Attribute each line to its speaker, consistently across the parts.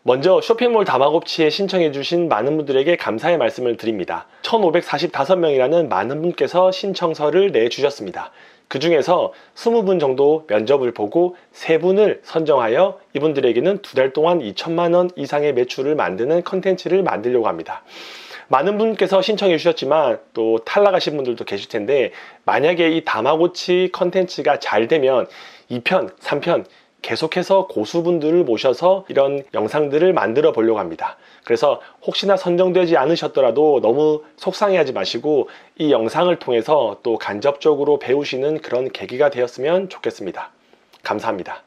Speaker 1: 먼저 쇼핑몰 다마고치에 신청해주신 많은 분들에게 감사의 말씀을 드립니다. 1545명이라는 많은 분께서 신청서를 내주셨습니다. 그 중에서 20분 정도 면접을 보고 3분을 선정하여 이분들에게는 2달 동안 2천만 원 이상의 매출을 만드는 컨텐츠를 만들려고 합니다. 많은 분께서 신청해 주셨지만 또 탈락하신 분들도 계실 텐데, 만약에 이 다마고치 컨텐츠가 잘 되면 2편, 3편 계속해서 고수분들을 모셔서 이런 영상들을 만들어 보려고 합니다. 그래서 혹시나 선정되지 않으셨더라도 너무 속상해하지 마시고 이 영상을 통해서 또 간접적으로 배우시는 그런 계기가 되었으면 좋겠습니다. 감사합니다.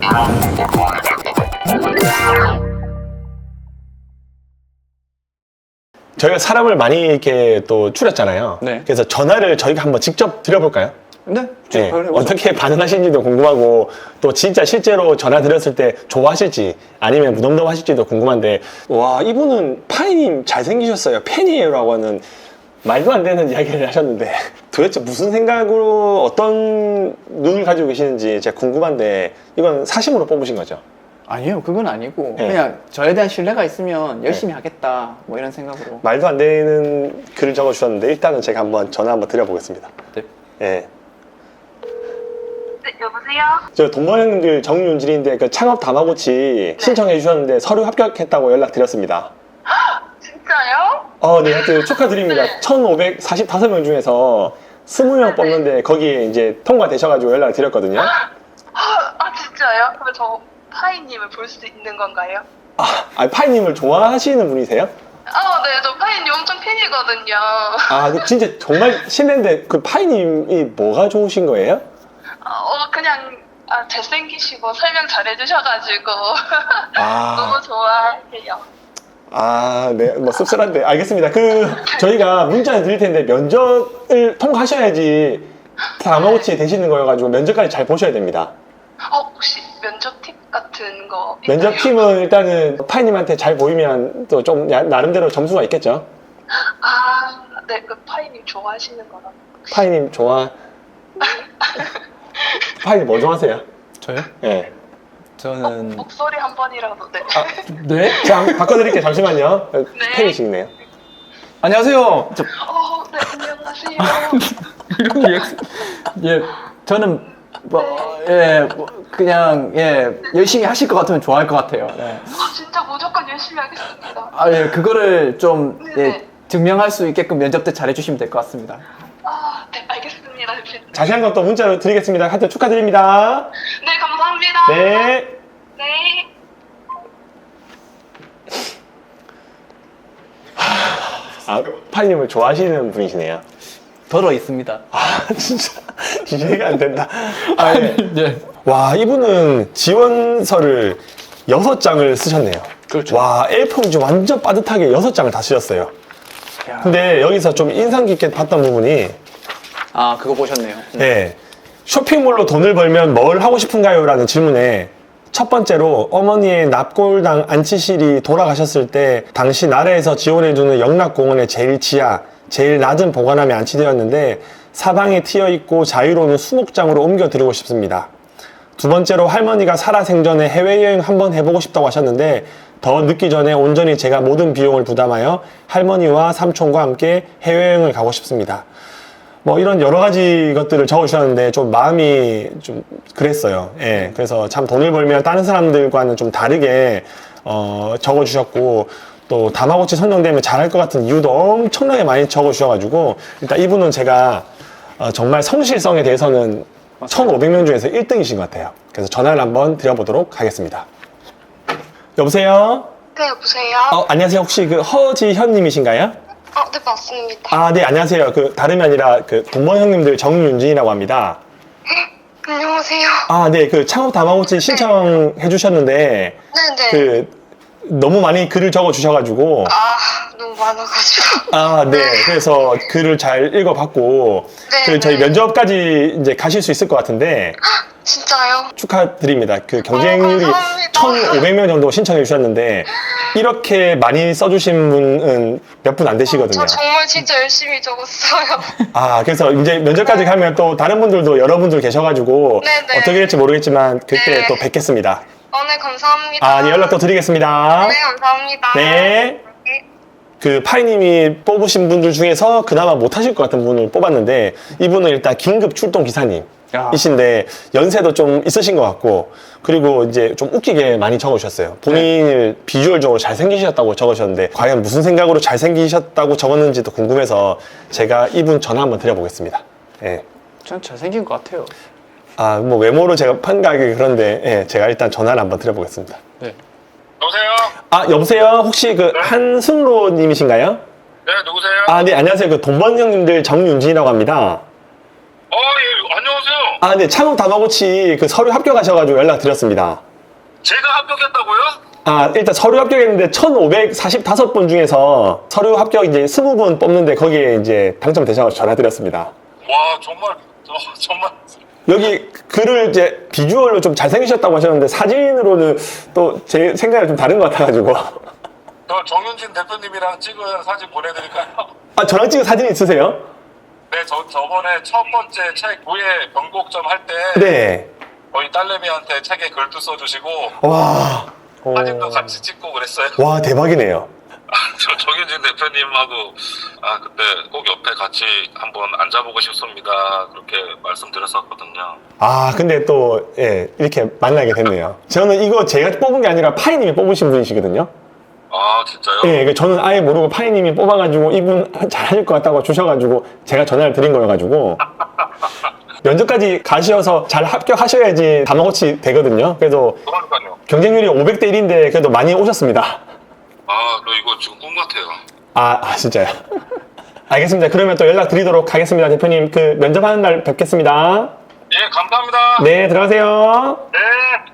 Speaker 1: 저희가 사람을 많이 이렇게 또 추렸잖아요.
Speaker 2: 네.
Speaker 1: 그래서 전화를 저희가 한번 직접 드려볼까요?
Speaker 2: 네,
Speaker 1: 네, 어떻게 반응하시는지도 궁금하고, 또 진짜 실제로 전화 드렸을 때 좋아하실지 아니면 무덤덤 하실지도 궁금한데, 와, 이분은 파이님 잘생기셨어요, 팬이에요라고 하는 말도 안 되는 이야기를 하셨는데 도대체 무슨 생각으로 어떤 눈을 가지고 계시는지 제가 궁금한데, 이건 사심으로 뽑으신 거죠?
Speaker 2: 아니요, 그건 아니고
Speaker 1: 네.
Speaker 2: 그냥 저에 대한 신뢰가 있으면 열심히 하겠다 뭐 이런 생각으로.
Speaker 1: 말도 안 되는 글을 적어주셨는데 일단은 제가 한번 전화 한번 드려보겠습니다.
Speaker 2: 네.
Speaker 1: 네.
Speaker 3: 네, 여보세요?
Speaker 1: 저 동반 형님들 정윤진인데 그 창업 다마고치 신청해 주셨는데 서류 합격했다고 연락 드렸습니다.
Speaker 3: 진짜요?
Speaker 1: 네, 하여튼 축하드립니다.
Speaker 3: 네.
Speaker 1: 1545명 중에서 20명 뽑는데 거기에 이제 통과되셔가지고 연락을 드렸거든요.
Speaker 3: 진짜요? 그럼 저 파이님을 볼 수 있는 건가요?
Speaker 1: 파이님을 좋아하시는 분이세요?
Speaker 3: 네, 저 파이님 엄청 팬이거든요.
Speaker 1: 그 진짜 정말 실례인데 그 파이님이 뭐가 좋으신 거예요?
Speaker 3: 그냥 잘생기시고 설명 잘해주셔가지고
Speaker 1: 아.
Speaker 3: 너무 좋아해요.
Speaker 1: 네, 뭐 씁쓸한데 알겠습니다. 저희가 문자를 드릴 텐데 면접을 통과하셔야지 다마고치 되시는 거여가지고 면접까지 잘 보셔야 됩니다.
Speaker 3: 혹시 면접 팁 같은 거 있나요?
Speaker 1: 면접팀은 일단은 파이님한테 잘 보이면 또 좀 나름대로 점수가 있겠죠?
Speaker 3: 네, 그 파이님 좋아하시는 거라.
Speaker 1: 파이님 파이님 뭐 좋아하세요?
Speaker 2: 저요?
Speaker 1: 네.
Speaker 2: 저는
Speaker 3: 목소리 한 번이라도. 네.
Speaker 2: 네?
Speaker 1: 자, 한번 바꿔드릴게요. 잠시만요.
Speaker 3: 네.
Speaker 1: 팬이시네요.
Speaker 2: 안녕하세요.
Speaker 3: 네, 안녕하세요.
Speaker 2: 이런 리액션. 예, 저는 그냥 열심히 하실 것 같으면 좋아할 것 같아요. 네.
Speaker 3: 진짜 무조건 열심히 하겠습니다.
Speaker 2: 그거를 좀
Speaker 3: 네네.
Speaker 2: 증명할 수 있게끔 면접 때 잘해주시면 될 것 같습니다.
Speaker 3: 네, 알겠습니다.
Speaker 1: 자세한 건 또 문자로 드리겠습니다. 하여튼 축하드립니다.
Speaker 3: 네, 감사합니다.
Speaker 1: 네.
Speaker 3: 네.
Speaker 1: 파이님을 좋아하시는 분이시네요.
Speaker 2: 덜어 있습니다.
Speaker 1: 진짜 이해가 안 된다.
Speaker 2: 네.
Speaker 1: 와, 이분은 지원서를 6장을 쓰셨네요.
Speaker 2: 그렇죠.
Speaker 1: 와, A4용지 완전 빠듯하게 6장을 다 쓰셨어요. 근데 여기서 좀 인상 깊게 봤던 부분이,
Speaker 2: 그거 보셨네요.
Speaker 1: 네, 쇼핑몰로 돈을 벌면 뭘 하고 싶은가요? 라는 질문에 첫 번째로 어머니의 납골당 안치실이 돌아가셨을 때 당시 나라에서 지원해주는 영락공원의 제일 지하, 제일 낮은 보관함에 안치되었는데 사방에 트여있고 자유로운 수목장으로 옮겨드리고 싶습니다. 두 번째로 할머니가 살아생전에 해외여행 한번 해보고 싶다고 하셨는데 더 늦기 전에 온전히 제가 모든 비용을 부담하여 할머니와 삼촌과 함께 해외여행을 가고 싶습니다. 뭐 이런 여러 가지 것들을 적어주셨는데 좀 마음이 좀 그랬어요. 예, 그래서 참 돈을 벌면 다른 사람들과는 좀 다르게 적어주셨고, 또 다마고치 선정되면 잘할 것 같은 이유도 엄청나게 많이 적어주셔가지고 일단 이분은 제가 정말 성실성에 대해서는 1500명 중에서 1등이신 것 같아요. 그래서 전화를 한번 드려보도록 하겠습니다. 여보세요?
Speaker 3: 네, 여보세요?
Speaker 1: 안녕하세요. 혹시 그 허지현님이신가요?
Speaker 3: 네, 맞습니다.
Speaker 1: 네, 안녕하세요. 동범 형님들 정윤진이라고 합니다.
Speaker 3: 안녕하세요.
Speaker 1: 네, 창업 다마고치 신청해 주셨는데,
Speaker 3: 네네.
Speaker 1: 너무 많이 글을 적어 주셔가지고,
Speaker 3: 너무 많아가지고.
Speaker 1: 네, 그래서 글을 잘 읽어봤고,
Speaker 3: 네,
Speaker 1: 저희
Speaker 3: 네.
Speaker 1: 면접까지 이제 가실 수 있을 것 같은데,
Speaker 3: 진짜요?
Speaker 1: 축하드립니다. 경쟁률이
Speaker 3: 감사합니다.
Speaker 1: 1,500명 정도 신청해 주셨는데, 이렇게 많이 써주신 분은 몇 분 안 되시거든요.
Speaker 3: 저 정말 진짜 열심히 적었어요.
Speaker 1: 그래서 이제 면접까지 가면 또 다른 분들도 여러분들 계셔가지고
Speaker 3: 네네.
Speaker 1: 어떻게 될지 모르겠지만 그때
Speaker 3: 네.
Speaker 1: 또 뵙겠습니다.
Speaker 3: 네, 감사합니다.
Speaker 1: 아, 네, 연락도 드리겠습니다.
Speaker 3: 네, 감사합니다.
Speaker 1: 네.
Speaker 3: 네.
Speaker 1: 그 파이님이 뽑으신 분들 중에서 그나마 못하실 것 같은 분을 뽑았는데 이분은 일단 긴급 출동 기사님이신데 연세도 좀 있으신 것 같고 그리고 이제 좀 웃기게 많이 적으셨어요. 본인을 비주얼적으로 잘생기셨다고 적으셨는데 과연 무슨 생각으로 잘생기셨다고 적었는지도 궁금해서 제가 이분 전화 한번 드려보겠습니다. 예.
Speaker 2: 전 잘생긴 것 같아요.
Speaker 1: 아, 뭐 외모로 제가 판가하기 그런데 예, 제가 일단 전화를 한번 드려보겠습니다.
Speaker 2: 네.
Speaker 4: 여보세요?
Speaker 1: 아, 여보세요? 혹시 그 한승로님이신가요?
Speaker 4: 네, 누구세요?
Speaker 1: 아, 네, 안녕하세요. 그 돈번 형님들 정윤진이라고 합니다.
Speaker 4: 예, 안녕하세요.
Speaker 1: 아, 네, 창업 다마고치 그 서류 합격하셔가지고 연락드렸습니다.
Speaker 4: 제가 합격했다고요?
Speaker 1: 아, 일단 서류 합격했는데 1,545분 중에서 서류 합격 이제 20분 뽑는데 거기에 이제 당첨되셔가지고 전화드렸습니다.
Speaker 4: 와, 정말, 정말.
Speaker 1: 여기 글을 이제 비주얼로 좀 잘생기셨다고 하셨는데 사진으로는 또 제 생각이 좀 다른 것 같아가지고.
Speaker 4: 저 정윤진 대표님이랑 찍은 사진 보내드릴까요?
Speaker 1: 아, 저랑 찍은 사진 있으세요?
Speaker 4: 네, 저번에 첫 번째 책 구의 변곡점 할 때
Speaker 1: 네.
Speaker 4: 저희 딸내미한테 책에 글도 써주시고
Speaker 1: 와,
Speaker 4: 사진도 같이 찍고 그랬어요.
Speaker 1: 와, 대박이네요.
Speaker 4: 저 정윤진 대표님하고 그때 꼭 옆에 같이 한번 앉아보고 싶습니다. 그렇게 말씀드렸었거든요.
Speaker 1: 아, 근데 또, 예, 이렇게 만나게 됐네요. 저는 이거 제가 뽑은 게 아니라 파이님이 뽑으신 분이시거든요.
Speaker 4: 아, 진짜요?
Speaker 1: 예, 저는 아예 모르고 파이님이 뽑아가지고 이분 잘하실 것 같다고 주셔가지고 제가 전화를 드린 거여가지고 면접까지 가셔서 잘 합격하셔야지 다마고치 되거든요. 그래서
Speaker 4: 그러니까요.
Speaker 1: 경쟁률이 500대 1인데 그래도 많이 오셨습니다.
Speaker 4: 너 이거 지금 꿈 같아요.
Speaker 1: 아, 진짜요? 알겠습니다. 그러면 또 연락 드리도록 하겠습니다. 대표님, 그 면접하는 날 뵙겠습니다.
Speaker 4: 예, 감사합니다.
Speaker 1: 네, 들어가세요.
Speaker 4: 네.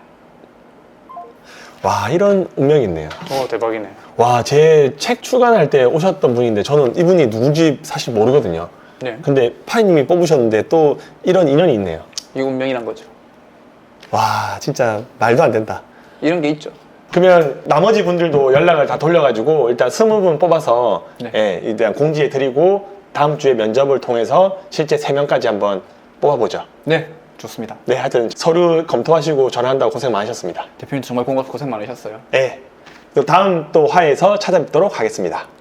Speaker 1: 와, 이런 운명이 있네요.
Speaker 2: 대박이네.
Speaker 1: 와, 제 책 출간할 때 오셨던 분인데 저는 이분이 누군지 사실 모르거든요.
Speaker 2: 네.
Speaker 1: 근데 파이님이 뽑으셨는데 또 이런 인연이 있네요.
Speaker 2: 이거 운명이란 거죠.
Speaker 1: 와, 진짜 말도 안 된다.
Speaker 2: 이런 게 있죠.
Speaker 1: 그러면 나머지 분들도 연락을 다 돌려가지고 일단 20분 뽑아서
Speaker 2: 네.
Speaker 1: 예, 일단 공지해 드리고 다음 주에 면접을 통해서 실제 3명까지 한번 뽑아보죠.
Speaker 2: 네, 좋습니다.
Speaker 1: 네, 하여튼 서류 검토하시고 전화한다고 고생 많으셨습니다.
Speaker 2: 대표님 정말 고생 많으셨어요.
Speaker 1: 네, 또 다음 또 화에서 찾아뵙도록 하겠습니다.